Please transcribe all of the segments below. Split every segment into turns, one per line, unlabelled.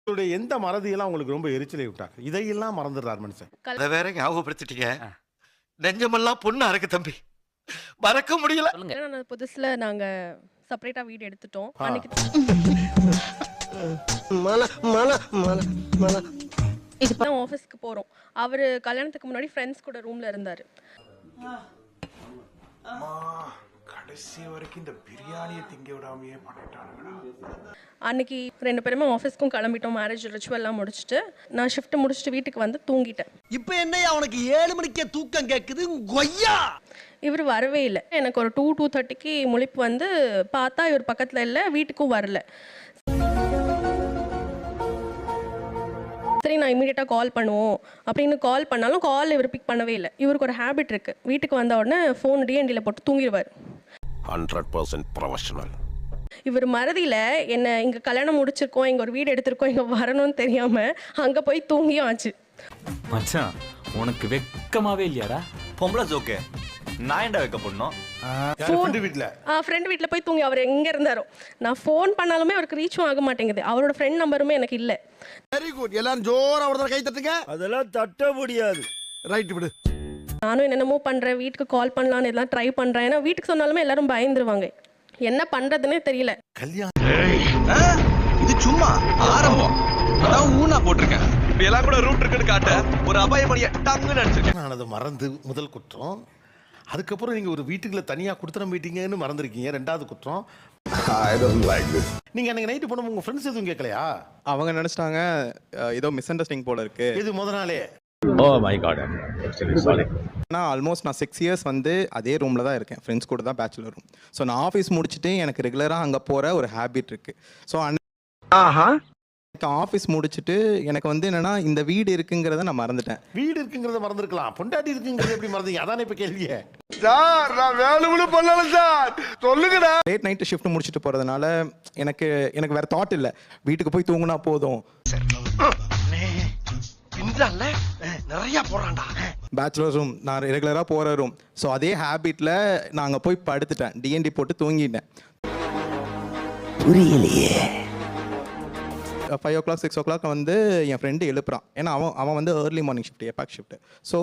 உங்களுடைய எந்த மறதியெல்லாம் உங்களுக்கு ரொம்ப எரிச்சலை விட்டாங்க? இதையெல்லாம் மறந்துடுறார் மனுஷன்.
அத வேற ஞாபகப்படுத்திட்டீங்க. நெஞ்சமெல்லாம் பொண்ணு அறக்கு தம்பி. மறக்க முடியல.
ஏன்னா நான் புதுசுல நாங்க செப்பரேட்டா வீடு எடுத்துட்டோம்.
ஆ.
அன்னைக்கு தான் ஆஃபீஸ்க்கு போறோம். அவரு கல்யாணத்துக்கு முன்னாடி ஃப்ரெண்ட்ஸ் கூட ரூம்ல இருந்தாரு.
கடைசி வரைக்கும் இந்த பிரியாணியை திங்க விடாமையே பண்ணிட்டானுங்கடா.
அன்னைக்கு 2 பேருமே ஆஃபீஸ்க்கும் கிளம்பிட்டோம். மேரேஜ் ரிச்சுவல்லாம் முடிச்சுட்டு நான் ஷிஃப்ட் முடிச்சுட்டு வீட்டுக்கு வந்து தூங்கிட்டேன்.
இப்ப என்னையா அவனுக்கு 7 மணிக்கே தூக்கம் கேக்குது கொய்யா.
இவர் வரவே இல்லை. எனக்கு ஒரு 2:30க்கு முழிப்பு வந்து பார்த்தா இவர் பக்கத்துல இல்லை, வீட்டுக்கும் வரல. சரி நான் இமீடியட்டாக கால் பண்ணுவோம் அப்படின்னு கால் பண்ணாலும் கால் இவர் பிக் பண்ணவே இல்லை. இவருக்கு ஒரு ஹேபிட் இருக்குது, வீட்டுக்கு வந்த உடனே ஃபோன் டிஎன்டியில் போட்டு தூங்கிடுவார்.
100% ப்ரொஃபஷனல்.
இவர் மறதியில் என்ன இங்கே கல்யாணம் முடிச்சிருக்கோம், இங்கே ஒரு வீடு எடுத்திருக்கோம், இங்கே வரணும்னு தெரியாமல் அங்கே போய் தூங்கியும் ஆச்சு.
மச்சான் உனக்கு வெக்கமாவே இல்லையாடா?
பொம்பளை ஜோக்கு நான் ஏன்டா வைக்க போடணும்?
ஃப்ரெண்டு வீட்ல.
ஃப்ரெண்ட் வீட்டில் போய் தூங்கி அவர் எங்கே இருந்தாரோ. நான் ஃபோன் பண்ணாலுமே அவருக்கு ரீச்சும் ஆக மாட்டேங்குது. அவரோட ஃப்ரெண்ட் நம்பருமே எனக்கு இல்லை.
Very good. எல்லாரும் ஜோரா ஒரு கை தட்டுங்க.
அதெல்லாம் தட்ட முடியாது.
ரைட் விடு.
நானும் என்னென்னமோ பண்ணுறேன், வீட்டுக்கு கால் பண்ணலான்னு எல்லாம் ட்ரை பண்ணுறேன். ஏன்னா வீட்டுக்கு சொன்னாலுமே எல்லாரும் பயந்துருவாங்க. என்ன பண்ணுறதுன்னே தெரியல.
கல்யாணம்
இது சும்மா ஆரம்பம். நான் ஊனா போட்டிருக்கேன். இப்படி எல்லாம் கூட ரூட் இருக்குன்னு காட்ட ஒரு அபாயமணிய டங்குன்னு அடிச்சிருக்கேன்.
நான் அதை மறந்து முதல் குற்றம். அதுக்கப்புறம் நீங்க ஒரு வீட்டுக்குள்ள தனியா கொடுத்துட மீட்டிங்கன்னு மறந்துருக்கீங்க, 2வது குற்றம். நீங்க அன்னைக்கு நைட்டு போன உங்க ஃப்ரெண்ட்ஸ் எதுவும் கேட்கலையா?
அவங்க நினைச்சிட்டாங்க ஏதோ மிஸ் அண்டர்ஸ்டாண்டிங் போல இருக்கு.
இது முத நாளே.
நான் ஆல்மோஸ்ட் 6 இயர்ஸ் வந்து அதே ரூமில் தான் இருக்கேன். ஃப்ரெண்ட்ஸ் கூட தான் பேச்சுலர் ரூம். ஸோ நான் ஆஃபீஸ் முடிச்சுட்டு எனக்கு ரெகுலராக அங்கே போகிற ஒரு ஹேபிட் இருக்குது. ஸோ எனக்கு ஆஃபீஸ் முடிச்சுட்டு எனக்கு வந்து என்னென்னா இந்த வீடு இருக்குங்கிறத நான் மறந்துட்டேன்.
வீடு இருக்குங்கிறத மறந்துருக்கலாம், பொண்டாட்டி இருக்குங்கிறத எப்படி மறந்தீங்க? அதானே இப்ப கேள்வியே.
சார் நான் வேணும்னு பண்ணல சார். சொல்லுங்கடா.
லேட் நைட்டு ஷிஃப்ட் முடிச்சுட்டு போகிறதுனால எனக்கு வேறு தாட் இல்லை, வீட்டுக்கு போய் தூங்கினா போதும்.
நிறைய போறான்டா.
பேச்சுலர் ரூம் நான் ரெகுலராக போகிற ரூம். ஸோ அதே ஹேபிட்டில் நான் அங்கே போய் படுத்துட்டேன், டிஎன்டி போட்டு தூங்கிட்டேன்.
புரியலையே.
5 o'clock 6 o'clock வந்து என் ஃப்ரெண்டு எழுப்புறான். ஏன்னா அவன் வந்து ஏர்லி மார்னிங் ஷிஃப்ட், எப்பாக் ஷிஃப்ட். ஸோ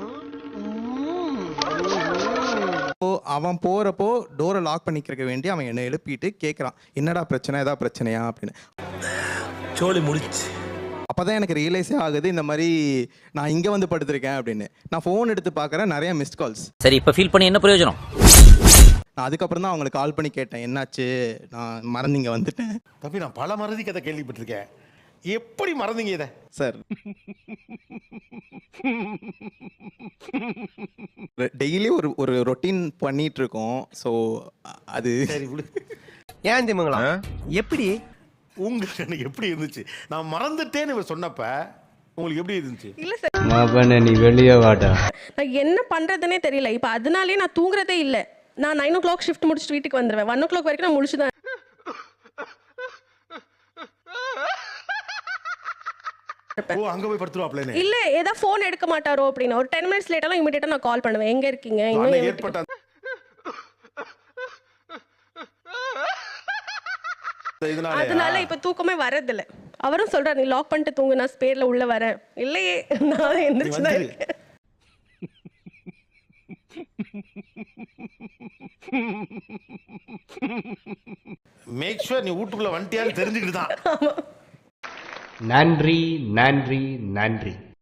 அவன் போகிறப்போ டோரை லாக் பண்ணிக்கிறக்க வேண்டி அவன் என்னை எழுப்பிட்டு கேட்குறான், என்னடா பிரச்சனை, ஏதாவது பிரச்சனையா அப்படின்னு.
சோலி முடிச்சு.
அப்போ தான் எனக்கு ரியலைஸே ஆகுது இந்த மாதிரி நான் இங்கே வந்து படுத்திருக்கேன் அப்படின்னு. நான் ஃபோன் எடுத்து பார்க்குறேன், நிறைய மிஸ்ட் கால்ஸ்.
சரி இப்போ ஃபீல் பண்ணி என்ன பிரயோஜனம்?
நான் அதுக்கப்புறம் தான் அவங்களுக்கு கால் பண்ணி கேட்டேன், என்னாச்சு, நான் மறந்தீங்க வந்துட்டேன்.
தம்பி நான் பல மறதி கதை கேள்விப்பட்டிருக்கேன், எப்படி மறந்தீங்க இதை?
சார் டெய்லி ஒரு ரொட்டீன் பண்ணிட்டு இருக்கோம். ஸோ அது
சரி விடு.
ஏன் திமுங்களா எப்படி
உங்களுக்கு எனக்கு எப்படி இருந்துச்சு? நான் மறந்துட்டேன்னு இவர் சொன்னப்ப உங்களுக்கு எப்படி இருந்துச்சு?
இல்லை சார்,
நீ வெளியே வாடா.
நான் என்ன பண்ணுறதுனே தெரியல. இப்போ அதனாலே நான் தூங்குறதே இல்லை. நான் 9 o'clock ஷிஃப்ட் முடிச்சுட்டு வீட்டுக்கு வந்துடுவேன். 1 o'clock வரைக்கும் நான் முடிச்சு தான்.
ஓ அங்க போய் படுத்துருவாப்லன்னு
இல்ல ஏதாவது ஃபோன் எடுக்க மாட்டாரோ அப்படின்னு ஒரு 10 minutes லேட்டாலாம் இமிடியேட்டா நான் கால் பண்ணுவேன், எங்க இருக்கீங்க, இன்னும்
ஏற்பட்ட
அதனால இப்ப தூக்கமே வரதில்ல. அவரும் சொல்றாரு, நீ லாக் பண்ணிட்டு தூங்கு, நான் ஸ்பேர்ல உள்ள வரேன். இல்லையே, நான் எந்திரிச்சு தான் இருக்கேன்.
மேக் ஷூர் நீ வீட்டுக்குள்ள வந்துட்டியான்னு தெரிஞ்சுக்கிட்டு தான்.
நன்றி நன்றி நன்றி.